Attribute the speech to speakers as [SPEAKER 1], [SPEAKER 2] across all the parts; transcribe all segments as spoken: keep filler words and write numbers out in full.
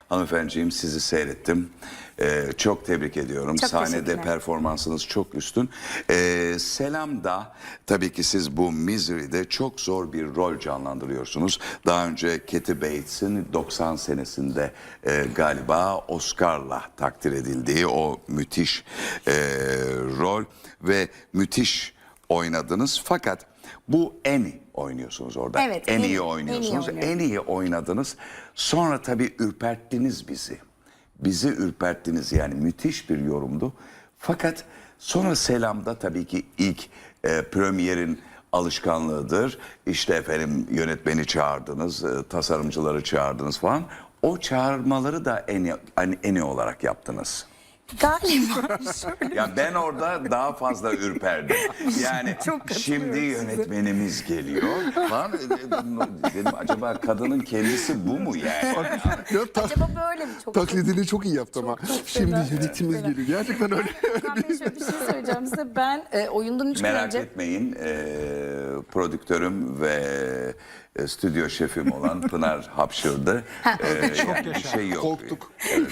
[SPEAKER 1] Hanımefendiciğim, sizi seyrettim. Ee, çok tebrik ediyorum.
[SPEAKER 2] Çok
[SPEAKER 1] Sahnede performansınız çok üstün. Ee, Selam'da tabii ki siz bu Misery'de çok zor bir rol canlandırıyorsunuz. Daha önce Kathy Bates'in doksan senesinde e, galiba Oscar'la takdir edildiği o müthiş e, rol ve müthiş oynadınız. Fakat bu Annie oynuyorsunuz orada.
[SPEAKER 2] Evet,
[SPEAKER 1] en
[SPEAKER 2] Annie-
[SPEAKER 1] iyi oynuyorsunuz.
[SPEAKER 2] Annie
[SPEAKER 1] En iyi oynadınız. Sonra tabii ürperttiniz bizi. Bizi ürperttiniz, yani müthiş bir yorumdu. Fakat sonra Selam'da tabii ki ilk e, premierin alışkanlığıdır. İşte efendim yönetmeni çağırdınız, e, tasarımcıları çağırdınız falan. O çağırmaları da en hani en iyi olarak yaptınız.
[SPEAKER 2] Galiba şöyle.
[SPEAKER 1] Ya ben orada daha fazla ürperdim. Yani
[SPEAKER 2] Çok
[SPEAKER 1] şimdi
[SPEAKER 2] katılıyorum size.
[SPEAKER 1] yönetmenimiz geliyor falan. Dedim acaba kadının kendisi bu mu yani?
[SPEAKER 3] Ya, ta-
[SPEAKER 2] Acaba böyle mi? Çok
[SPEAKER 3] taklidini çok iyi yaptı ama.
[SPEAKER 2] çok
[SPEAKER 3] Şimdi
[SPEAKER 2] fena.
[SPEAKER 3] yönetimiz
[SPEAKER 2] Fena.
[SPEAKER 3] geliyor. Gerçekten öyle.
[SPEAKER 2] Hakan Bey, şöyle bir şey söyleyeceğim size. Ben e, oyundan üç gün
[SPEAKER 1] Merak
[SPEAKER 2] önce...
[SPEAKER 1] etmeyin, e, prodüktörüm ve e, stüdyo şefim olan Pınar hapşırdı. E, yani bir şey yok.
[SPEAKER 3] Korktuk.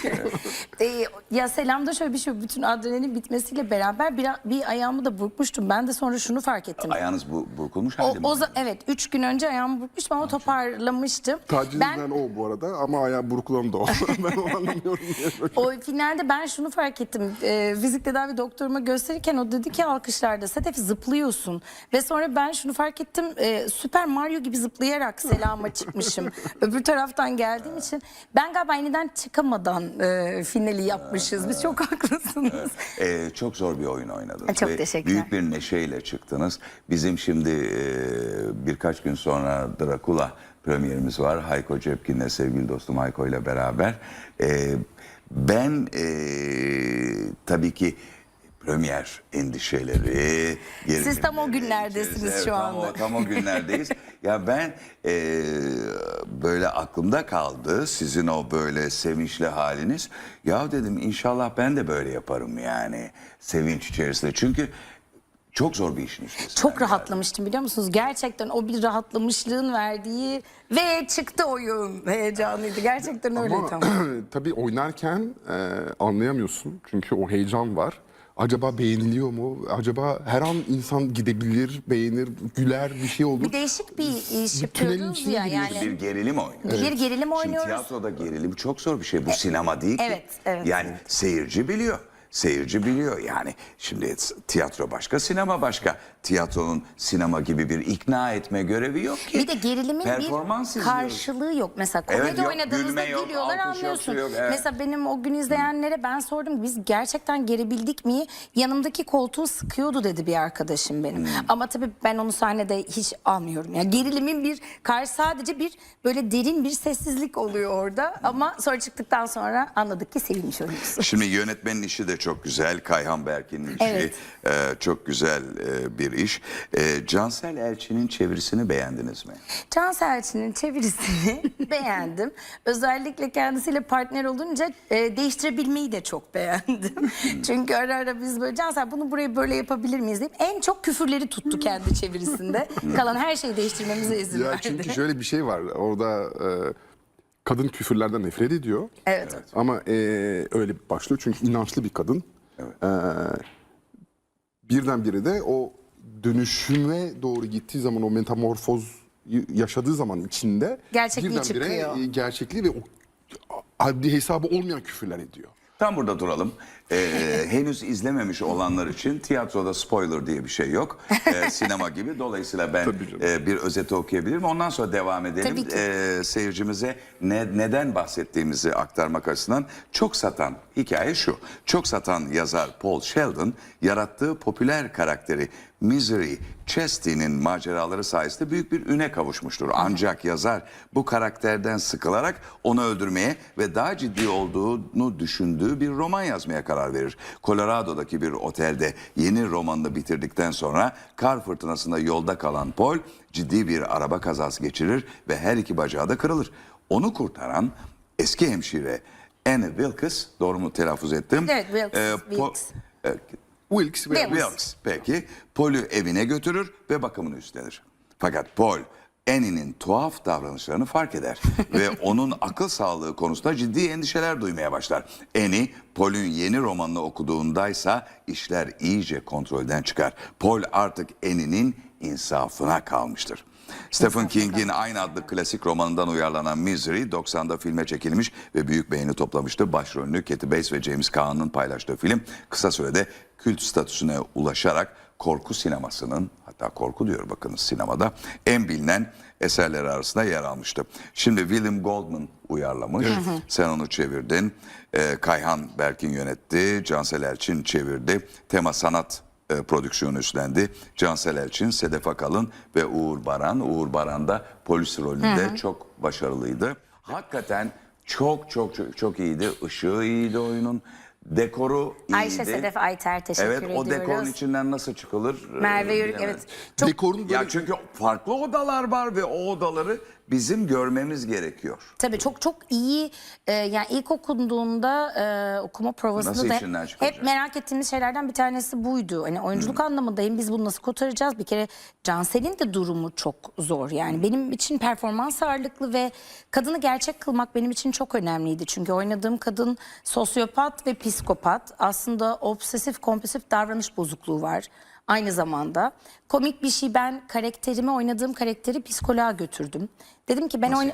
[SPEAKER 2] E, ya Selam'da şöyle bir şey, bütün adrenalin bitmesiyle beraber bir, bir ayağımı da burkmuştum. Ben de sonra şunu fark ettim.
[SPEAKER 1] Ayağınız bu, burkulmuş
[SPEAKER 2] O,
[SPEAKER 1] halde mi?
[SPEAKER 2] o za- evet, üç gün önce ayağımı burkmuştum ama toparlamıştım.
[SPEAKER 3] Taciz
[SPEAKER 2] Ben
[SPEAKER 3] eden o bu arada ama ayağı burkulan da o. Ben onu anlamıyorum. Diye böyle.
[SPEAKER 2] o finalde ben şunu fark ettim. E, fizik tedavi doktoruma gösterirken o dedi ki alkışlarda Sedef zıplıyorsun. Ve sonra ben şunu fark ettim. E, Süper Mario gibi zıplayarak Selam'a çıkmışım. Öbür taraftan geldiğim için ben galiba yeniden çıkamadan e, finali yapmışız. Biz çok haklısınız.
[SPEAKER 1] Ee, çok zor bir oyun oynadınız.
[SPEAKER 2] Çok
[SPEAKER 1] Ve
[SPEAKER 2] teşekkürler.
[SPEAKER 1] büyük bir neşeyle çıktınız. Bizim şimdi e, birkaç gün sonra Dracula premierimiz var. Hayko Cepkin'le, sevgili dostum Hayko ile beraber. E, ben e, tabii ki premier endişeleri...
[SPEAKER 2] Siz tam o
[SPEAKER 1] gerilimleri
[SPEAKER 2] günlerdesiniz
[SPEAKER 1] içerisinde-
[SPEAKER 2] şu
[SPEAKER 1] evet,
[SPEAKER 2] anda.
[SPEAKER 1] Tam o, tam o günlerdeyiz. Ya ben e, böyle aklımda kaldı sizin o böyle sevinçli haliniz. Ya dedim inşallah ben de böyle yaparım yani sevinç içerisinde. Çünkü çok zor bir işin üstesinden
[SPEAKER 2] Çok
[SPEAKER 1] geldim.
[SPEAKER 2] rahatlamıştım biliyor musunuz? Gerçekten o bir rahatlamışlığın verdiği ve çıktı oyun heyecanıydı. Gerçekten öyle
[SPEAKER 3] Ama
[SPEAKER 2] tam.
[SPEAKER 3] tabii oynarken e, anlayamıyorsun. Çünkü o heyecan var. Acaba beğeniliyor mu? Acaba her an insan gidebilir, beğenir, güler, bir şey olur.
[SPEAKER 2] Bir değişik bir iş
[SPEAKER 3] Bir tünelin
[SPEAKER 2] yapıyoruz
[SPEAKER 3] içine
[SPEAKER 2] ya
[SPEAKER 3] giriyorsun.
[SPEAKER 2] yani.
[SPEAKER 1] Bir gerilim oynuyoruz.
[SPEAKER 2] Bir gerilim
[SPEAKER 1] Şimdi
[SPEAKER 2] oynuyoruz.
[SPEAKER 1] tiyatroda gerilim çok zor bir şey. Bu sinema değil ki.
[SPEAKER 2] evet, evet.
[SPEAKER 1] Yani seyirci biliyor. Seyirci biliyor yani. Şimdi tiyatro başka, sinema başka. Tiyatronun sinema gibi bir ikna etme görevi yok ki.
[SPEAKER 2] Bir de gerilimin
[SPEAKER 1] Performans
[SPEAKER 2] bir
[SPEAKER 1] izliyoruz.
[SPEAKER 2] karşılığı yok. Mesela komedi
[SPEAKER 1] Evet, yok,
[SPEAKER 2] oynadığınızda
[SPEAKER 1] gülme yok,
[SPEAKER 2] gülüyorlar,
[SPEAKER 1] alkış yok,
[SPEAKER 2] anlıyorsun.
[SPEAKER 1] şey yok, evet.
[SPEAKER 2] Mesela benim o gün izleyenlere ben sordum, biz gerçekten gerebildik mi? Yanımdaki koltuğu sıkıyordu dedi bir arkadaşım benim.
[SPEAKER 1] Hmm.
[SPEAKER 2] Ama tabii ben onu sahnede hiç almıyorum. Yani gerilimin bir karşı, sadece bir böyle derin bir sessizlik oluyor orada. Ama sonra çıktıktan sonra anladık ki sevilmiş oyuncusu.
[SPEAKER 1] Şimdi yönetmenin işi de çok güzel. Kayhan Berkin'in işi
[SPEAKER 2] Evet.
[SPEAKER 1] e, çok güzel e, bir iş. E, Cansel Elçi'nin çevirisini beğendiniz mi?
[SPEAKER 2] Cansel Elçi'nin çevirisini beğendim. Özellikle kendisiyle partner olunca e, değiştirebilmeyi de çok beğendim. Çünkü ara ara biz böyle Cansel bunu buraya böyle yapabilir miyiz deyip en çok küfürleri tuttu kendi çevirisinde. Kalan her şeyi değiştirmemize izin
[SPEAKER 3] Ya
[SPEAKER 2] verdi.
[SPEAKER 3] çünkü şöyle bir şey var. Orada e, kadın küfürlerden nefret ediyor.
[SPEAKER 2] Evet.
[SPEAKER 3] Ama e, öyle başlıyor çünkü inançlı bir kadın. E, birdenbire de o dönüşüme doğru gittiği zaman, o metamorfoz yaşadığı zaman içinde
[SPEAKER 2] Gerçekliği
[SPEAKER 3] birdenbire
[SPEAKER 2] çıkıyor.
[SPEAKER 3] e, gerçekliği ve o adli hesabı olmayan küfürler ediyor.
[SPEAKER 1] Tam burada duralım. Ee, henüz izlememiş olanlar için tiyatroda spoiler diye bir şey yok. Ee, sinema gibi. Dolayısıyla ben
[SPEAKER 3] Tabii canım.
[SPEAKER 1] e, bir özeti okuyabilirim. Ondan sonra devam edelim.
[SPEAKER 2] Tabii ki.
[SPEAKER 1] Ee, seyircimize ne, neden bahsettiğimizi aktarmak açısından çok satan hikaye şu. Çok satan yazar Paul Sheldon yarattığı popüler karakteri Misery Chesty'nin maceraları sayesinde büyük bir üne kavuşmuştur. Ancak yazar bu karakterden sıkılarak onu öldürmeye ve daha ciddi olduğunu düşündüğü bir roman yazmaya karar verir. Colorado'daki bir otelde yeni romanını bitirdikten sonra kar fırtınasında yolda kalan Paul ciddi bir araba kazası geçirir ve her iki bacağı da kırılır. Onu kurtaran eski hemşire Anne Wilkes, doğru mu telaffuz ettim?
[SPEAKER 2] Evet, Wilkes,
[SPEAKER 1] Ee,
[SPEAKER 2] Wilkes.
[SPEAKER 1] e,
[SPEAKER 3] Wilkes ve
[SPEAKER 2] Wilkes.
[SPEAKER 1] Wilkes peki Paul'ü evine götürür ve bakımını üstlenir. Fakat Paul Annie'nin tuhaf davranışlarını fark eder ve onun akıl sağlığı konusunda ciddi endişeler duymaya başlar. Annie, Paul'ün yeni romanını okuduğundaysa işler iyice kontrolden çıkar. Paul artık Annie'nin insafına kalmıştır. Stephen King'in aynı adlı klasik romanından uyarlanan Misery doksanda filme çekilmiş ve büyük beğeni toplamıştı. Başrolünü Kathy Bates ve James Caan'ın paylaştığı film kısa sürede kült statüsüne ulaşarak korku sinemasının, hatta korku diyor bakınız sinemada, en bilinen eserleri arasında yer almıştı. Şimdi William Goldman uyarlamış. Sen onu çevirdin. Ee, Kayhan Berk'in yönetti. Cansel Elçin çevirdi. Tema Sanat e, prodüksiyonu üstlendi. Cansel Elçin, Sedef Akalın ve Uğur Baran. Uğur Baran da polis rolünde hı hı. çok başarılıydı. Hakikaten çok çok çok, çok iyiydi. Işığı iyiydi oyunun. Dekoru iyiydi.
[SPEAKER 2] Ayşe Sedef Ayter teşekkür
[SPEAKER 1] evet,
[SPEAKER 2] ediyoruz.
[SPEAKER 1] Evet, o dekorun içinden nasıl çıkılır?
[SPEAKER 2] Merve Yörük evet.
[SPEAKER 3] Çok... Dekorun böyle...
[SPEAKER 1] Ya çünkü farklı odalar var ve o odaları bizim görmemiz gerekiyor.
[SPEAKER 2] Tabii çok çok iyi e, yani ilk okunduğunda e, okuma provasında da hep, hep merak ettiğimiz şeylerden bir tanesi buydu. Hani oyunculuk hmm. anlamında hem biz bunu nasıl kotaracağız? Bir kere Cansel'in de durumu çok zor. Yani benim için performans ağırlıklı ve kadını gerçek kılmak benim için çok önemliydi. Çünkü oynadığım kadın sosyopat ve psikopat. Aslında obsesif kompulsif davranış bozukluğu var. Aynı zamanda komik bir şey, ben karakterimi oynadığım karakteri psikoloğa götürdüm. Dedim ki ben oyna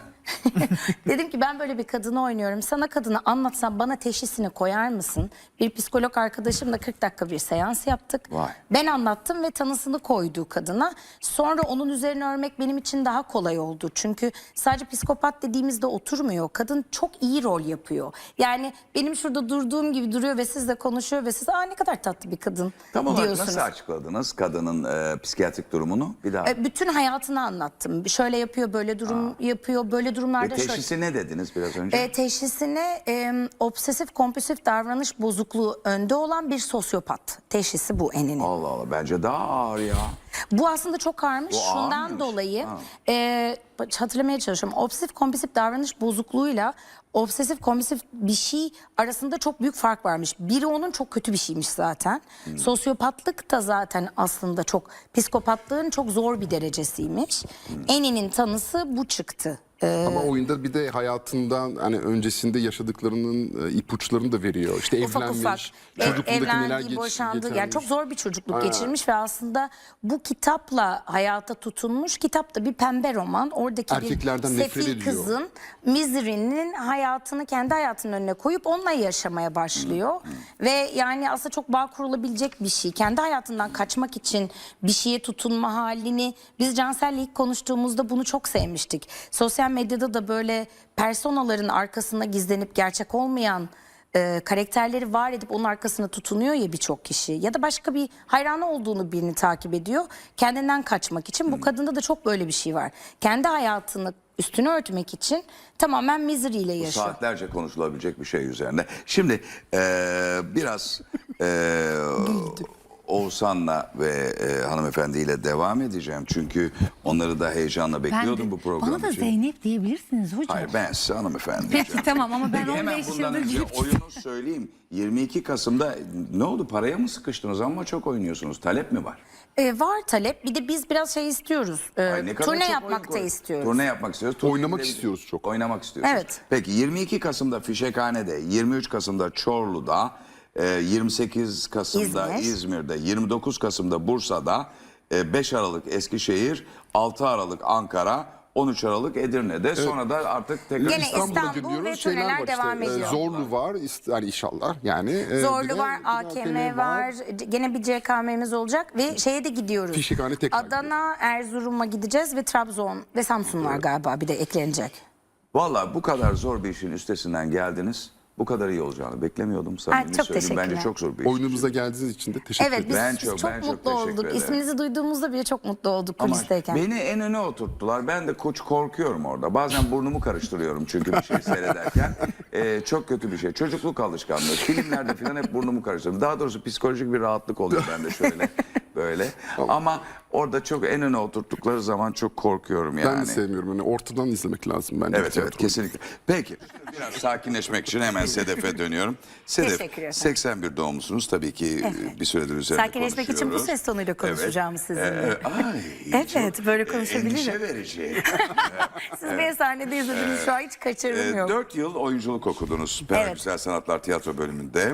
[SPEAKER 2] dedim ki ben böyle bir kadını oynuyorum. Sana kadını anlatsam bana teşhisini koyar mısın? Bir psikolog arkadaşımla kırk dakika bir seans yaptık.
[SPEAKER 1] Vay.
[SPEAKER 2] Ben anlattım ve tanısını koydu kadına. Sonra onun üzerine örmek benim için daha kolay oldu. Çünkü sadece psikopat dediğimizde oturmuyor. Kadın çok iyi rol yapıyor. Yani benim şurada durduğum gibi duruyor ve sizle konuşuyor ve siz aa ne kadar tatlı bir kadın
[SPEAKER 1] Tam olarak
[SPEAKER 2] diyorsunuz.
[SPEAKER 1] nasıl açıkladınız kadının e, psikiyatrik durumunu? Bir daha.
[SPEAKER 2] E, bütün hayatını anlattım. Şöyle yapıyor, böyle durum aa. yapıyor, böyle durumlarda.
[SPEAKER 1] Ve teşhisi şöyle... ne dediniz biraz önce?
[SPEAKER 2] E, teşhisine e, obsesif kompulsif davranış bozukluğu önde olan bir sosyopat. Teşhisi bu Annie'nin.
[SPEAKER 1] Allah Allah, bence daha ağır ya.
[SPEAKER 2] Bu aslında çok ağırmış.
[SPEAKER 1] Bu
[SPEAKER 2] Şundan
[SPEAKER 1] ağırmış.
[SPEAKER 2] dolayı e, hatırlamaya çalışıyorum. Obsesif kompulsif davranış bozukluğuyla obsesif kompulsif bir şey arasında çok büyük fark varmış. Biri onun çok kötü bir şeymiş zaten. Hmm. Sosyopatlık da zaten aslında çok, psikopatlığın çok zor bir derecesiymiş. Hmm. Annie'nin tanısı bu çıktı. Ee,
[SPEAKER 3] Ama oyunda bir de hayatından hani öncesinde yaşadıklarının e, ipuçlarını da veriyor. İşte
[SPEAKER 2] ufak
[SPEAKER 3] evlenmiş,
[SPEAKER 2] ufak
[SPEAKER 3] çocukluğundaki neler
[SPEAKER 2] evlendi,
[SPEAKER 3] geç,
[SPEAKER 2] boşandı.
[SPEAKER 3] geçermiş.
[SPEAKER 2] Yani çok zor bir çocukluk
[SPEAKER 3] Ha.
[SPEAKER 2] geçirmiş ve aslında bu kitapla hayata tutunmuş. Kitap da bir pembe roman. Oradaki
[SPEAKER 3] Erkeklerden
[SPEAKER 2] bir
[SPEAKER 3] nefret
[SPEAKER 2] sefil
[SPEAKER 3] ediyor.
[SPEAKER 2] kızın Misery'nin hayatını kendi hayatının önüne koyup onunla yaşamaya başlıyor. Hmm. Ve yani aslında çok bağ kurulabilecek bir şey. Kendi hayatından kaçmak için bir şeye tutunma halini biz Cansel'le ilk konuştuğumuzda bunu çok sevmiştik. Sosyal medyada da böyle personaların arkasında gizlenip gerçek olmayan e, karakterleri var edip onun arkasına tutunuyor ya birçok kişi. Ya da başka bir hayranı olduğunu birini takip ediyor. Kendinden kaçmak için. Bu hmm. kadında da çok böyle bir şey var. Kendi hayatını üstünü örtmek için tamamen misery ile yaşıyor.
[SPEAKER 1] Bu saatlerce konuşulabilecek bir şey üzerine. Şimdi e, biraz e, Oğuzhan'la ve e, hanımefendiyle devam edeceğim. Çünkü onları da heyecanla bekliyordum
[SPEAKER 4] de,
[SPEAKER 1] bu program
[SPEAKER 4] bana da
[SPEAKER 1] için.
[SPEAKER 4] Zeynep diyebilirsiniz hocam.
[SPEAKER 1] Hayır, ben size hanımefendi
[SPEAKER 4] Peki
[SPEAKER 1] diyeceğim.
[SPEAKER 4] tamam ama ben
[SPEAKER 1] Peki,
[SPEAKER 4] on beş
[SPEAKER 1] hemen bundan
[SPEAKER 4] yıldır
[SPEAKER 1] önce
[SPEAKER 4] girip
[SPEAKER 1] oyunu söyleyeyim. yirmi iki Kasım'da ne oldu? Paraya mı sıkıştınız ama çok oynuyorsunuz? Talep mi var?
[SPEAKER 2] Ee, var talep. Bir de biz biraz şey istiyoruz. E,
[SPEAKER 1] Ay, ne kadar
[SPEAKER 2] turne
[SPEAKER 1] çok
[SPEAKER 2] yapmak da
[SPEAKER 1] oyun-
[SPEAKER 2] istiyoruz.
[SPEAKER 1] Turne yapmak istiyoruz.
[SPEAKER 3] Oynamak
[SPEAKER 1] Turne-
[SPEAKER 3] istiyoruz çok.
[SPEAKER 1] Oynamak istiyoruz.
[SPEAKER 2] Evet.
[SPEAKER 1] Peki yirmi iki Kasım'da Fişekhane'de, yirmi üç Kasım'da Çorlu'da, e, yirmi sekiz Kasım'da
[SPEAKER 2] İzmir.
[SPEAKER 1] İzmir'de, yirmi dokuz Kasım'da Bursa'da, e, beş Aralık Eskişehir, altı Aralık Ankara, on üç Aralık Edirne'de. Sonra da artık tekrar
[SPEAKER 2] Gene
[SPEAKER 1] İstanbul'da.
[SPEAKER 2] İstanbul
[SPEAKER 3] İstanbul'da
[SPEAKER 2] ve
[SPEAKER 3] gidiyoruz. Şeyler
[SPEAKER 2] turneler
[SPEAKER 3] var
[SPEAKER 2] devam
[SPEAKER 3] işte. e,
[SPEAKER 2] ediyor.
[SPEAKER 3] Zorlu var ist- yani inşallah yani. e, bir
[SPEAKER 2] Zorlu
[SPEAKER 3] de
[SPEAKER 2] var, A K M var, gene bir C K M'miz olacak ve şeye de gidiyoruz.
[SPEAKER 3] Fişekhane tekrar
[SPEAKER 2] Adana, Erzurum'a gideceğiz ve Trabzon ve Samsun var galiba bir de eklenecek.
[SPEAKER 1] Vallahi bu kadar zor bir işin üstesinden geldiniz. Bu kadar iyi olacağını beklemiyordum. Samimi
[SPEAKER 2] çok
[SPEAKER 1] söyleyeyim. Bence
[SPEAKER 2] teşekkürler.
[SPEAKER 1] çok zor bir iş.
[SPEAKER 3] Oyunumuza geldiğiniz için de teşekkür
[SPEAKER 2] Evet
[SPEAKER 3] ederim.
[SPEAKER 2] biz,
[SPEAKER 1] Ben
[SPEAKER 2] biz
[SPEAKER 1] çok-
[SPEAKER 2] çok,
[SPEAKER 1] ben çok
[SPEAKER 2] mutlu
[SPEAKER 1] teşekkür
[SPEAKER 2] olduk.
[SPEAKER 1] ederim.
[SPEAKER 2] İsminizi duyduğumuzda bile çok mutlu olduk
[SPEAKER 1] Ama
[SPEAKER 2] kulisteyken.
[SPEAKER 1] beni en öne oturttular. Ben de koç korkuyorum orada. Bazen burnumu karıştırıyorum çünkü bir şey seyrederken. Ee, çok kötü bir şey. Çocukluk alışkanlığı. Filmlerde falan hep burnumu karıştırıyorum. Daha doğrusu psikolojik bir rahatlık oluyor bende şöyle. böyle. Ama orada çok en öne oturttukları zaman çok korkuyorum yani.
[SPEAKER 3] Ben de sevmiyorum. Yani ortadan izlemek lazım bence.
[SPEAKER 1] Evet evet
[SPEAKER 3] tiyatro.
[SPEAKER 1] kesinlikle. Peki biraz sakinleşmek için hemen Sedef'e dönüyorum. Sedef
[SPEAKER 2] Teşekkür ederim.
[SPEAKER 1] seksen bir doğumlusunuz tabii ki bir süredir üzerinde
[SPEAKER 2] Sakinleşmek için bu
[SPEAKER 1] konuşuyoruz.
[SPEAKER 2] ses tonuyla konuşacağım sizinle.
[SPEAKER 1] Ee, ay,
[SPEAKER 2] Evet,
[SPEAKER 1] çok,
[SPEAKER 2] böyle
[SPEAKER 1] e,
[SPEAKER 2] konuşabilirim.
[SPEAKER 1] Endişe verici.
[SPEAKER 2] Siz beni sahnede izlediniz, şu an hiç kaçırım yok.
[SPEAKER 1] Dört yıl oyunculuk okudunuz. Süper
[SPEAKER 2] Evet.
[SPEAKER 1] Güzel Sanatlar Tiyatro bölümünde.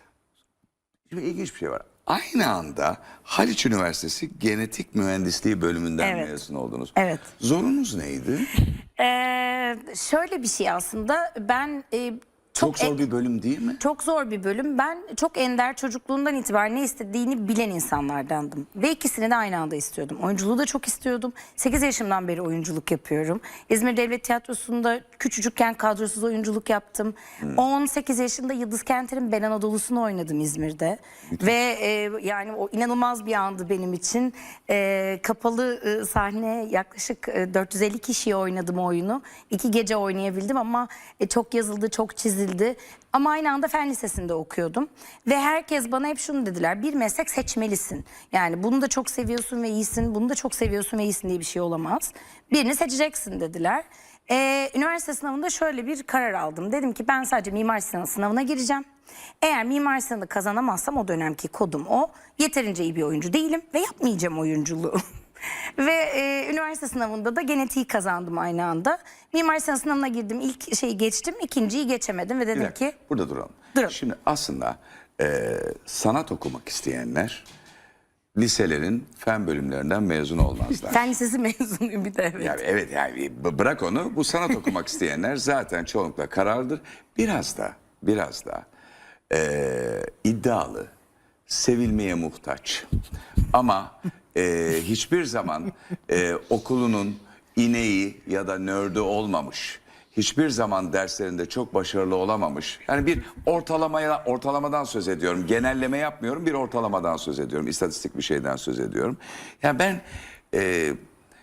[SPEAKER 1] Şimdi ilginç bir şey var. Aynı anda Haliç Üniversitesi Genetik Mühendisliği bölümünden
[SPEAKER 2] Evet.
[SPEAKER 1] mezun oldunuz.
[SPEAKER 2] Evet.
[SPEAKER 1] Zorunuz neydi?
[SPEAKER 2] Ee, şöyle bir şey aslında, ben e,
[SPEAKER 1] Çok,
[SPEAKER 2] çok
[SPEAKER 1] zor bir bölüm değil mi?
[SPEAKER 2] Çok zor bir bölüm. Ben çok ender, çocukluğundan itibaren ne istediğini bilen insanlardandım. Ve ikisini de aynı anda istiyordum. Oyunculuğu da çok istiyordum. sekiz yaşımdan beri oyunculuk yapıyorum. İzmir Devlet Tiyatrosu'nda küçücükken kadrosuz oyunculuk yaptım. on sekiz yaşında Yıldız Kenter'in Ben Anadolu'sunu oynadım İzmir'de. Ve e, yani o inanılmaz bir andı benim için. E, kapalı e, sahne, yaklaşık e, dört yüz elli kişiye oynadım oyunu. İki gece oynayabildim ama e, çok yazıldı, çok çizildi. Ama aynı anda fen lisesinde okuyordum. Ve herkes bana hep şunu dediler: bir meslek seçmelisin. Yani bunu da çok seviyorsun ve iyisin, bunu da çok seviyorsun ve iyisin diye bir şey olamaz. Birini seçeceksin dediler. Ee, üniversite sınavında şöyle bir karar aldım. Dedim ki ben sadece Mimar Sinan sınavına gireceğim. Eğer Mimar Sinan'ı kazanamazsam, o dönemki kodum o, yeterince iyi bir oyuncu değilim ve yapmayacağım oyunculuğu. Ve e, üniversite sınavında da genetiği kazandım aynı anda. Mimar Sinan sınavına girdim, ilk şeyi geçtim, ikinciyi geçemedim ve
[SPEAKER 1] Bir
[SPEAKER 2] dedim
[SPEAKER 1] dakika,
[SPEAKER 2] ki
[SPEAKER 1] burada duralım.
[SPEAKER 2] Duralım.
[SPEAKER 1] Şimdi aslında e, sanat okumak isteyenler liselerin fen bölümlerinden mezun olmazlar.
[SPEAKER 2] fen lisesi mezunuyum bir de, evet.
[SPEAKER 1] Yani evet yani b- bırak onu, bu sanat okumak isteyenler zaten çoğunlukla kararlıdır. Biraz da biraz da e, iddialı, sevilmeye muhtaç ama e, hiçbir zaman e, okulunun ineği ya da nördü olmamış, hiçbir zaman derslerinde çok başarılı olamamış. Yani bir ortalamaya ortalamadan söz ediyorum. Genelleme yapmıyorum. Bir ortalamadan söz ediyorum. İstatistik bir şeyden söz ediyorum. Yani ben e,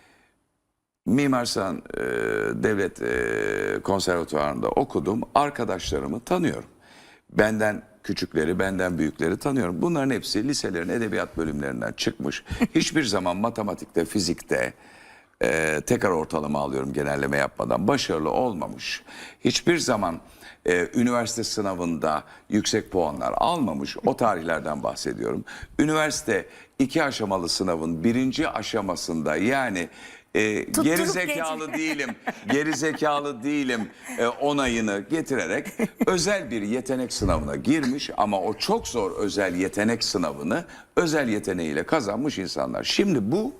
[SPEAKER 1] Mimar Sinan e, Devlet e, Konservatuvarı'nda okudum. Arkadaşlarımı tanıyorum. Benden küçükleri, benden büyükleri tanıyorum. Bunların hepsi liselerin edebiyat bölümlerinden çıkmış. Hiçbir zaman matematikte, fizikte e, tekrar ortalama alıyorum genelleme yapmadan, başarılı olmamış. Hiçbir zaman e, üniversite sınavında yüksek puanlar almamış. O tarihlerden bahsediyorum. Üniversite iki aşamalı sınavın birinci aşamasında, yani e, geri zekalı
[SPEAKER 2] geçmiş.
[SPEAKER 1] değilim, geri zekalı değilim e, onayını getirerek özel bir yetenek sınavına girmiş ama o çok zor özel yetenek sınavını özel yeteneğiyle kazanmış insanlar. Şimdi bu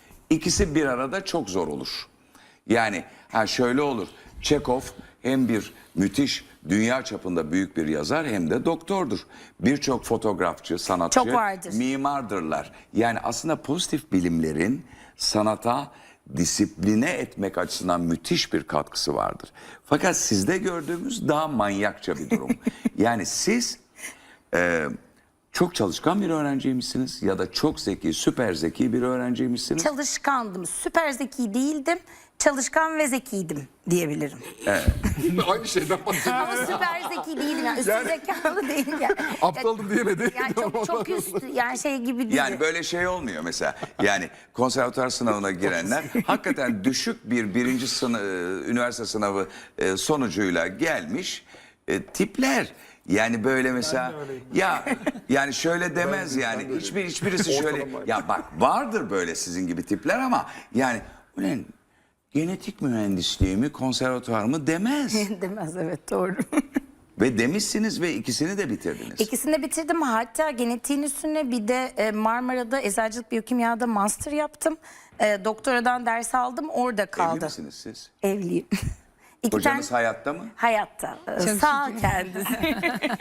[SPEAKER 1] ikisi bir arada çok zor olur. Yani ha şöyle olur. Çekov hem bir müthiş dünya çapında büyük bir yazar hem de doktordur. Birçok fotoğrafçı, sanatçı,
[SPEAKER 2] Çok vardır.
[SPEAKER 1] mimardırlar. Yani aslında pozitif bilimlerin sanata disipline etmek açısından müthiş bir katkısı vardır. Fakat sizde gördüğümüz daha manyakça bir durum. Yani siz e, çok çalışkan bir öğrenciymişsiniz ya da çok zeki, süper zeki bir öğrenciymişsiniz.
[SPEAKER 2] Çalışkandım, süper zeki değildim. Çalışkan ve zekiydim diyebilirim.
[SPEAKER 3] Aynı şeyden bahsediyorum.
[SPEAKER 2] Ama süper zeki değildim. Yani üstü
[SPEAKER 3] Yani-
[SPEAKER 2] zekalı değilim. Yani.
[SPEAKER 3] Aptaldım diyemedi.
[SPEAKER 2] Yani çok, çok üstü, yani şey gibi değil.
[SPEAKER 1] Yani böyle şey olmuyor mesela. Yani konservatuar sınavına girenler hakikaten düşük bir birinci sınıf, üniversite sınavı e, sonucuyla gelmiş e, tipler. Yani böyle mesela ya yani şöyle demez yani hiçbir hiçbirisi şöyle
[SPEAKER 3] Ortalama.
[SPEAKER 1] ya bak vardır böyle sizin gibi tipler ama yani ulan genetik mühendisliği mi konservatuar mı demez.
[SPEAKER 2] Demez, evet, doğru.
[SPEAKER 1] Ve demişsiniz ve ikisini de bitirdiniz.
[SPEAKER 2] İkisini de bitirdim. Hatta genetiğin üstüne bir de e, Marmara'da eczacılık biyokimyada master yaptım. E, doktoradan ders aldım, orada
[SPEAKER 1] Evli
[SPEAKER 2] kaldı.
[SPEAKER 1] misiniz siz?
[SPEAKER 2] Evliyim. İki
[SPEAKER 1] Kocanız
[SPEAKER 2] tane
[SPEAKER 1] hayatta mı?
[SPEAKER 2] hayatta. e, Sağ kendisi.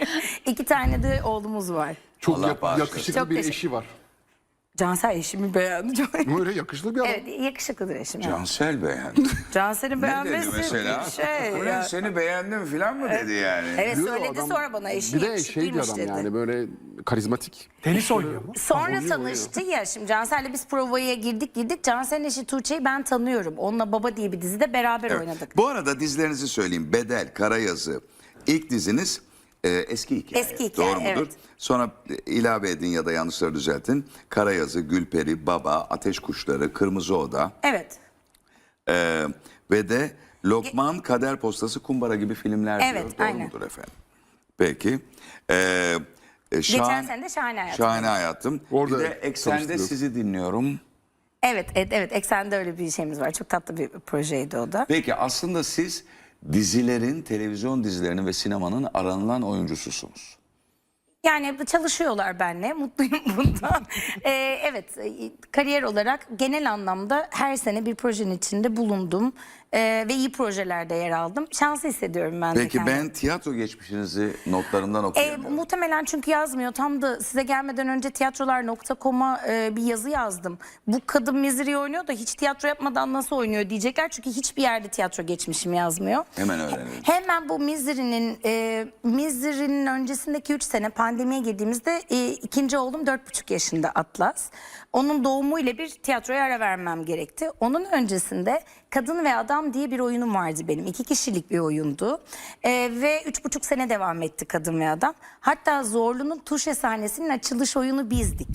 [SPEAKER 2] İki tane de oğlumuz var.
[SPEAKER 3] Çok
[SPEAKER 1] Allah
[SPEAKER 3] yak-
[SPEAKER 1] bağışlasın.
[SPEAKER 3] yakışıklı
[SPEAKER 2] Çok
[SPEAKER 3] bir
[SPEAKER 2] teşekkür-
[SPEAKER 3] eşi var.
[SPEAKER 2] Cansel eşimi beğendi. Çok...
[SPEAKER 3] Böyle yakışıklı bir adam.
[SPEAKER 2] Evet, yakışıklıdır eşim. yani.
[SPEAKER 1] Cansel beğendi.
[SPEAKER 2] Cansel'in
[SPEAKER 1] Ne dedi
[SPEAKER 2] beğenmesi
[SPEAKER 1] mesela?
[SPEAKER 2] şey.
[SPEAKER 1] Ulan
[SPEAKER 2] ya.
[SPEAKER 1] seni beğendim falan mı dedi yani?
[SPEAKER 2] Evet,
[SPEAKER 3] Diyor
[SPEAKER 2] söyledi
[SPEAKER 3] adam-
[SPEAKER 2] sonra bana, eşi
[SPEAKER 3] Bir de şey bir
[SPEAKER 2] yakışıklıymış
[SPEAKER 3] adam
[SPEAKER 2] dedi.
[SPEAKER 3] yani, böyle karizmatik.
[SPEAKER 4] Tenis oynuyor mu?
[SPEAKER 2] Sonra tanıştı ya, şimdi Cansel'le biz provaya girdik girdik. Cansel'in eşi Tuğçe'yi ben tanıyorum. Onunla Baba diye bir dizide beraber
[SPEAKER 1] Evet.
[SPEAKER 2] oynadık.
[SPEAKER 1] Bu arada dizilerinizi söyleyeyim. Bedel, Karayazı. İlk diziniz Ee, eski hikaye.
[SPEAKER 2] Eski hikaye,
[SPEAKER 1] Doğru mudur?
[SPEAKER 2] evet.
[SPEAKER 1] Sonra e, ilave edin ya da yanlışları düzeltin. Karayazı, Gülperi, Baba, Ateş Kuşları, Kırmızı Oda
[SPEAKER 2] Evet.
[SPEAKER 1] ee, ve de Lokman, Kader Postası, Kumbara gibi filmler
[SPEAKER 2] Evet,
[SPEAKER 1] diyor. Doğru
[SPEAKER 2] aynen.
[SPEAKER 1] mudur efendim? Peki. Ee, e,
[SPEAKER 2] Geçen
[SPEAKER 1] şahan-
[SPEAKER 2] sene de Şahane Hayatım.
[SPEAKER 1] Şahane Hayatım.
[SPEAKER 3] Orada
[SPEAKER 1] bir de Eksen'de
[SPEAKER 3] çalıştınız.
[SPEAKER 1] sizi dinliyorum.
[SPEAKER 2] Evet, evet, evet. Eksen'de öyle bir şeyimiz var. Çok tatlı bir projeydi o da.
[SPEAKER 1] Peki aslında siz dizilerin, televizyon dizilerinin ve sinemanın aranılan oyuncususunuz.
[SPEAKER 2] Yani çalışıyorlar benimle. Mutluyum bundan. Ee, evet, e, kariyer olarak genel anlamda her sene bir projenin içinde bulundum. Ee, ve iyi projelerde yer aldım. Şanslı hissediyorum ben de
[SPEAKER 1] Peki
[SPEAKER 2] kendimi.
[SPEAKER 1] ben tiyatro geçmişinizi notlarımdan
[SPEAKER 2] E,
[SPEAKER 1] okuyamıyorum.
[SPEAKER 2] muhtemelen çünkü yazmıyor. Tam da size gelmeden önce tiyatrolar nokta com'a e, bir yazı yazdım. Bu kadın Misery oynuyor da hiç tiyatro yapmadan nasıl oynuyor diyecekler. Çünkü hiçbir yerde tiyatro geçmişim yazmıyor.
[SPEAKER 1] Hemen öğrenelim.
[SPEAKER 2] Hemen bu Misery'nin e, Misery'nin öncesindeki üç sene pandemiye girdiğimizde e, ikinci oğlum dört buçuk yaşında Atlas. Onun doğumuyla bir tiyatroya ara vermem gerekti. Onun öncesinde Kadın ve Adam diye bir oyunum vardı benim. İki kişilik bir oyundu. E, ve üç buçuk sene devam etti Kadın ve Adam. Hatta Zorlu'nun Tuşe sahnesinin açılış oyunu bizdik.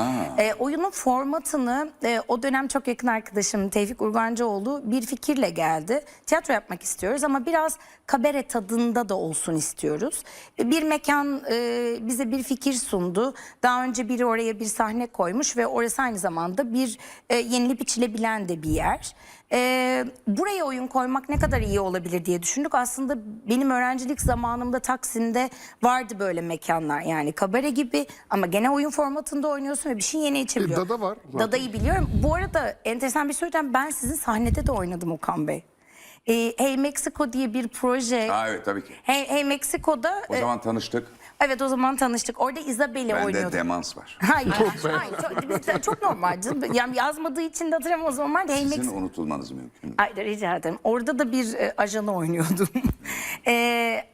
[SPEAKER 2] E, oyunun formatını e, o dönem çok yakın arkadaşım Tevfik Urgancıoğlu bir fikirle geldi. Tiyatro yapmak istiyoruz ama biraz kabare tadında da olsun istiyoruz. E, bir mekan e, bize bir fikir sundu. Daha önce biri oraya bir sahne koymuş ve orası aynı zamanda bir e, yenilip içilebilen de bir yer. Ee, buraya oyun koymak ne kadar iyi olabilir diye düşündük. Aslında benim öğrencilik zamanımda Taksim'de vardı böyle mekanlar. Yani kabare gibi ama gene oyun formatında oynuyorsun ve bir şey yeni içebiliyor.
[SPEAKER 3] E, Dada var zaten.
[SPEAKER 2] Dada'yı biliyorum. Bu arada enteresan bir söyleyeceğim. Ben sizin sahnede de oynadım Okan Bey. Ee, Hey Mexico diye bir proje.
[SPEAKER 1] Ha, evet tabii ki.
[SPEAKER 2] Hey, hey Mexico'da.
[SPEAKER 1] O
[SPEAKER 2] e,
[SPEAKER 1] zaman tanıştık.
[SPEAKER 2] evet o zaman tanıştık. Orada Isabel'i
[SPEAKER 1] Bende
[SPEAKER 2] oynuyordum.
[SPEAKER 1] demans var.
[SPEAKER 2] Hayır, hayır, çok, biz- çok normal canım. Yani yazmadığı için de hatırlamam o zaman. Hey
[SPEAKER 1] Sizin
[SPEAKER 2] Mexico.
[SPEAKER 1] unutulmanız mümkün mü?
[SPEAKER 2] Ay, rica ederim. Orada da bir e, ajanı oynuyordum. e,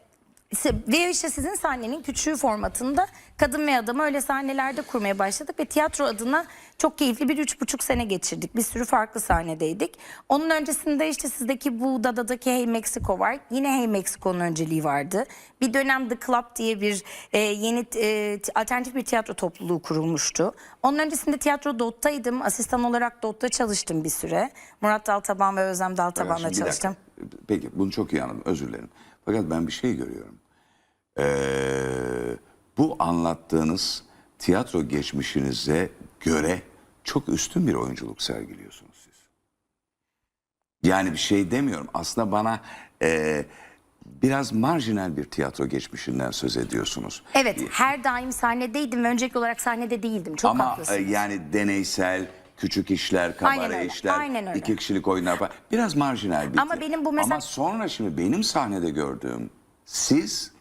[SPEAKER 2] ve işte sizin sahnenin küçüğü formatında Kadın ve Adam'ı öyle sahnelerde kurmaya başladık ve tiyatro adına çok keyifli bir üç buçuk sene geçirdik. Bir sürü farklı sahnedeydik. Onun öncesinde işte sizdeki bu Dada'daki Hey Mexico var. Yine Hey Mexico'nun önceliği vardı. Bir dönem The Club diye bir e, yeni e, alternatif bir tiyatro topluluğu kurulmuştu. Onun öncesinde tiyatro Dot'taydım. Asistan olarak Dot'ta çalıştım bir süre. Murat Daltaban ve Özlem Daltaban'la
[SPEAKER 1] Şimdi bir dakika.
[SPEAKER 2] çalıştım.
[SPEAKER 1] Peki bunu çok iyi anladım, özür dilerim. Fakat ben bir şey görüyorum. Ee, bu anlattığınız tiyatro geçmişinize göre çok üstün bir oyunculuk sergiliyorsunuz siz. Yani bir şey demiyorum. Aslında bana e, biraz marjinal bir tiyatro geçmişinden söz ediyorsunuz.
[SPEAKER 2] Evet, her daim sahnedeydim ve öncelikli olarak sahnede değildim. Çok
[SPEAKER 1] Ama e,
[SPEAKER 2] haklısınız.
[SPEAKER 1] yani deneysel, küçük işler,
[SPEAKER 2] Aynen
[SPEAKER 1] kabare
[SPEAKER 2] öyle,
[SPEAKER 1] işler,
[SPEAKER 2] aynen öyle.
[SPEAKER 1] iki kişilik oyunlar falan. Biraz marjinal bir.
[SPEAKER 2] Ama benim bu mesela-
[SPEAKER 1] Ama sonra şimdi benim sahnede gördüğüm siz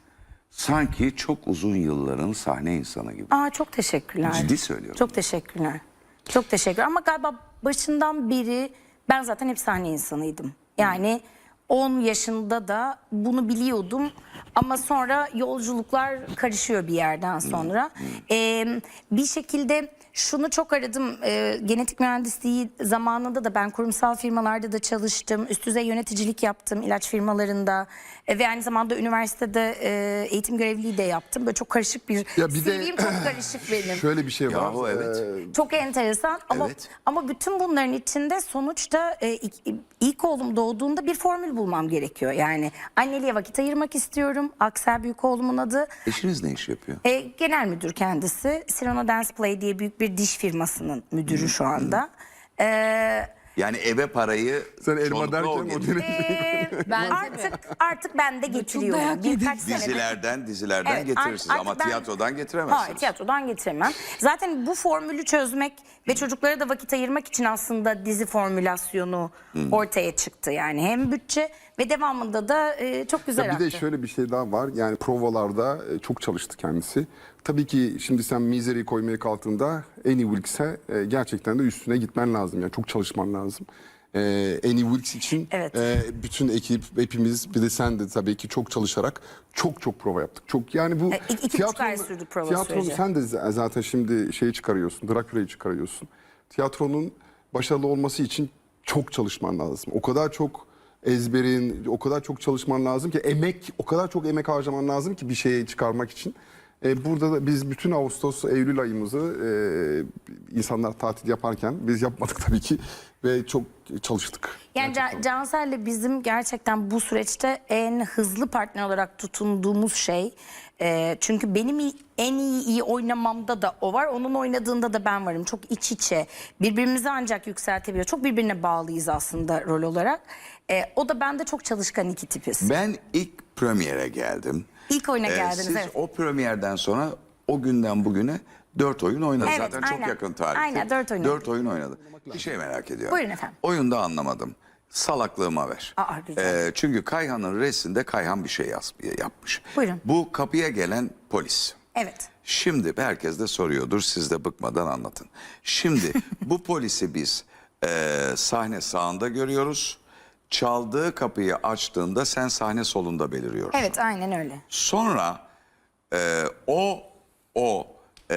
[SPEAKER 1] sanki çok uzun yılların sahne insanı gibi.
[SPEAKER 2] Aa, çok teşekkürler.
[SPEAKER 1] Ciddi söylüyorum.
[SPEAKER 2] Çok teşekkürler. Çok teşekkür. Ama galiba başından beri ben zaten hep sahne insanıydım. Yani on yaşında da bunu biliyordum. Ama sonra yolculuklar karışıyor bir yerden sonra. Ee, bir şekilde şunu çok aradım. Ee, genetik mühendisliği zamanında da ben kurumsal firmalarda da çalıştım. Üst düzey yöneticilik yaptım ilaç firmalarında. Ee, ve aynı zamanda üniversitede e, eğitim görevliliği de yaptım. Böyle çok karışık bir,
[SPEAKER 3] Ya bir de-
[SPEAKER 2] C V'm çok karışık benim.
[SPEAKER 3] Şöyle bir şey var.
[SPEAKER 1] Yahu evet.
[SPEAKER 3] Ee,
[SPEAKER 2] Çok enteresan ama
[SPEAKER 1] Evet.
[SPEAKER 2] ama bütün bunların içinde sonuçta e, ilk, ilk oğlum doğduğunda bir formül bulmam gerekiyor. Yani anneliğe vakit ayırmak istiyorum. Aksel büyük oğlumun adı.
[SPEAKER 1] Eşiniz ne iş yapıyor?
[SPEAKER 2] E, genel müdür kendisi. Cyrano Dance Play diye büyük bir diş firmasının müdürü şu anda. E,
[SPEAKER 1] Yani eve parayı
[SPEAKER 3] Sen elma
[SPEAKER 1] çoğunlukla
[SPEAKER 3] derken
[SPEAKER 1] o
[SPEAKER 3] o
[SPEAKER 1] getiriyor.
[SPEAKER 2] e,
[SPEAKER 4] Bence de.
[SPEAKER 2] artık artık ben de getiriyorum.
[SPEAKER 4] dayak yedim.
[SPEAKER 2] Birkaç senedir.
[SPEAKER 1] Dizilerden dizilerden
[SPEAKER 2] Evet,
[SPEAKER 1] getirirsiniz
[SPEAKER 2] artık
[SPEAKER 1] ama
[SPEAKER 2] ben-
[SPEAKER 1] tiyatrodan getiremezsiniz.
[SPEAKER 2] Hayır, tiyatrodan getiremem. Zaten bu formülü çözmek ve çocuklara da vakit ayırmak için aslında dizi formülasyonu ortaya çıktı. Yani hem bütçe ve devamında da e, çok güzel
[SPEAKER 3] Ya bir de
[SPEAKER 2] aktı.
[SPEAKER 3] şöyle bir şey daha var. Yani provalarda e, çok çalıştı kendisi. Tabii ki şimdi sen Misery'i koymaya kalktığında Annie Wilkes'e e, gerçekten de üstüne gitmen lazım. Yani çok çalışman lazım. E, Annie Wilkes için
[SPEAKER 2] Evet.
[SPEAKER 3] e, bütün ekip, hepimiz bir de sen de tabii ki çok çalışarak çok çok prova yaptık. Çok yani bu
[SPEAKER 2] E, iki- iki buçuk ay sürdü prova
[SPEAKER 3] tiyatronun
[SPEAKER 2] süreci.
[SPEAKER 3] sen de z- zaten şimdi şeyi çıkarıyorsun, Dracula'yı çıkarıyorsun. Tiyatronun başarılı olması için çok çalışman lazım. O kadar çok ezberin, o kadar çok çalışman lazım ki, emek, o kadar çok emek harcaman lazım ki bir şeyi çıkarmak için. E, burada da biz bütün Ağustos, Eylül ayımızı e, insanlar tatil yaparken biz yapmadık tabii ki ve çok çalıştık.
[SPEAKER 2] Yani Can- Cansel'le bizim gerçekten bu süreçte en hızlı partner olarak tutunduğumuz şey. E, çünkü benim iyi- en iyi, iyi oynamamda da o var. Onun oynadığında da ben varım. Çok iç içe. Birbirimizi ancak yükseltebiliyor. Çok birbirine bağlıyız aslında rol olarak. E, o da ben de çok çalışkan iki tipiz.
[SPEAKER 1] Ben ilk premiere geldim.
[SPEAKER 2] İlk oyuna
[SPEAKER 1] Ee,
[SPEAKER 2] geldiniz.
[SPEAKER 1] Siz
[SPEAKER 2] evet.
[SPEAKER 1] o premierden sonra o günden bugüne dört oyun oynadınız.
[SPEAKER 2] Evet,
[SPEAKER 1] Zaten
[SPEAKER 2] aynen.
[SPEAKER 1] çok yakın tarihte.
[SPEAKER 2] Aynen, dört oyun
[SPEAKER 1] Dört oyun oynadı. Bir şey merak ediyorum.
[SPEAKER 2] Buyurun efendim.
[SPEAKER 1] Oyunda anlamadım. Salaklığıma ver.
[SPEAKER 2] Aa, rica
[SPEAKER 1] Ee, çünkü Kayhan'ın resminde Kayhan bir şey yaz, yapmış.
[SPEAKER 2] Buyurun.
[SPEAKER 1] Bu kapıya gelen polis.
[SPEAKER 2] Evet.
[SPEAKER 1] Şimdi herkes de soruyordur, siz de bıkmadan anlatın. Şimdi bu polisi biz e, sahne sağında görüyoruz. Çaldığı kapıyı açtığında sen sahne solunda beliriyorsun.
[SPEAKER 2] Evet, aynen öyle.
[SPEAKER 1] Sonra e, o o e,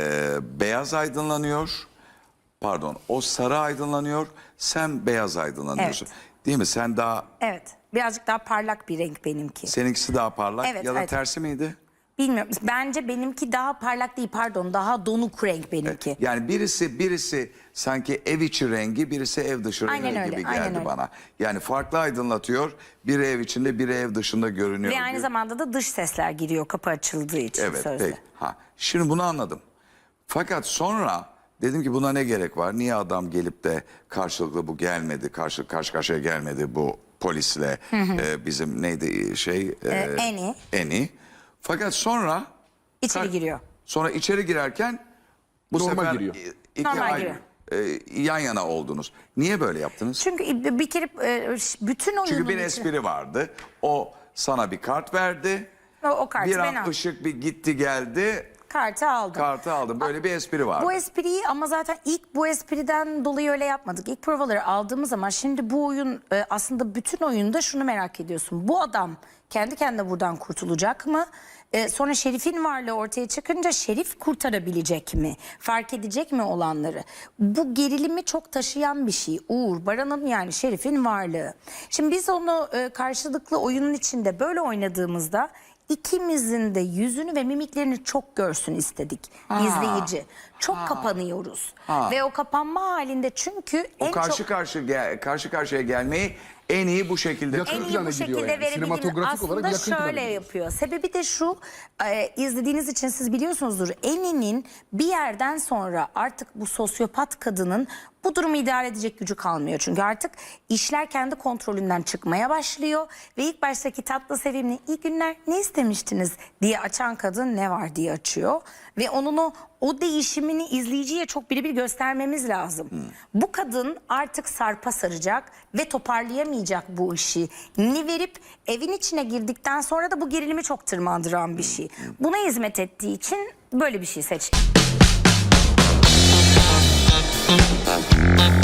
[SPEAKER 1] beyaz aydınlanıyor. Pardon, o sarı aydınlanıyor. Sen beyaz aydınlanıyorsun.
[SPEAKER 2] Evet.
[SPEAKER 1] Değil mi? Sen daha,
[SPEAKER 2] Evet. Birazcık daha parlak bir renk benimki.
[SPEAKER 1] seninkisi daha parlak
[SPEAKER 2] Evet,
[SPEAKER 1] ya da
[SPEAKER 2] evet.
[SPEAKER 1] tersi miydi?
[SPEAKER 2] Bilmiyorum. Bence benimki daha parlak değil, pardon. Daha donuk renk benimki.
[SPEAKER 1] Yani birisi birisi sanki ev içi rengi, birisi ev dışı rengi
[SPEAKER 2] Aynen öyle,
[SPEAKER 1] gibi
[SPEAKER 2] aynen
[SPEAKER 1] geldi
[SPEAKER 2] öyle.
[SPEAKER 1] bana. Yani farklı aydınlatıyor. Biri ev içinde, biri ev dışında görünüyor.
[SPEAKER 2] Ve aynı
[SPEAKER 1] gibi.
[SPEAKER 2] zamanda da dış sesler giriyor kapı açıldığı için
[SPEAKER 1] Evet,
[SPEAKER 2] sözde.
[SPEAKER 1] peki. Ha, şimdi bunu anladım. Fakat sonra dedim ki buna ne gerek var? Niye adam gelip de karşılıklı bu gelmedi, karşı karşı karşıya gelmedi bu polisle e, bizim neydi şey? E,
[SPEAKER 2] Ee, Eni.
[SPEAKER 1] Eni. Fakat sonra
[SPEAKER 2] İçeri
[SPEAKER 1] Ka-
[SPEAKER 2] giriyor.
[SPEAKER 1] Sonra içeri girerken bu
[SPEAKER 3] Normal
[SPEAKER 1] sefer
[SPEAKER 3] giriyor.
[SPEAKER 1] i- iki
[SPEAKER 2] Normal
[SPEAKER 1] ayrı, e, yan yana oldunuz. Niye böyle yaptınız?
[SPEAKER 2] Çünkü bir kere e, bütün oyunun
[SPEAKER 1] Çünkü bir
[SPEAKER 2] içi-
[SPEAKER 1] espri vardı. O sana bir kart verdi.
[SPEAKER 2] O, o kartı
[SPEAKER 1] Bir
[SPEAKER 2] ben
[SPEAKER 1] an
[SPEAKER 2] aldım.
[SPEAKER 1] ışık bir gitti geldi.
[SPEAKER 2] Kartı aldım.
[SPEAKER 1] Kartı aldım. Böyle bir espri vardı.
[SPEAKER 2] Bu espriyi ama zaten ilk bu espriden dolayı öyle yapmadık. İlk provaları aldığımız zaman şimdi bu oyun e, aslında bütün oyunda şunu merak ediyorsun. Bu adam kendi kendine buradan kurtulacak mı? E, sonra Şerif'in varlığı ortaya çıkınca Şerif kurtarabilecek mi? Fark edecek mi olanları? Bu gerilimi çok taşıyan bir şey. Uğur, Baran'ın yani Şerif'in varlığı. Şimdi biz onu e, karşılıklı oyunun içinde böyle oynadığımızda İkimizin de yüzünü ve mimiklerini çok görsün istedik izleyici. Çok kapanıyoruz. Ve o kapanma halinde çünkü
[SPEAKER 1] O
[SPEAKER 2] en
[SPEAKER 1] karşı
[SPEAKER 2] çok
[SPEAKER 1] karşı gel- karşı karşıya gelmeyi en iyi bu şekilde.
[SPEAKER 3] Yakın
[SPEAKER 2] en iyi
[SPEAKER 3] plana
[SPEAKER 2] bu
[SPEAKER 3] gidiyor
[SPEAKER 2] şekilde
[SPEAKER 3] yani.
[SPEAKER 2] verebildiğini
[SPEAKER 3] Sinematografik olarak
[SPEAKER 2] aslında
[SPEAKER 3] yakın plana
[SPEAKER 2] şöyle
[SPEAKER 3] gidiyor.
[SPEAKER 2] yapıyor. Sebebi de şu, e, izlediğiniz için siz biliyorsunuzdur. Eni'nin bir yerden sonra artık bu sosyopat kadının bu durumu idare edecek gücü kalmıyor. Çünkü artık işler kendi kontrolünden çıkmaya başlıyor. Ve ilk baştaki tatlı sevimli iyi günler ne istemiştiniz diye açan kadın ne var diye açıyor. Ve onun o o değişimini izleyiciye çok birebir göstermemiz lazım. Bu kadın artık sarpa saracak ve toparlayamayacak bu işi. Ni verip evin içine girdikten sonra da bu gerilimi çok tırmandıran bir şey. Buna hizmet ettiği için böyle bir şey seçtim.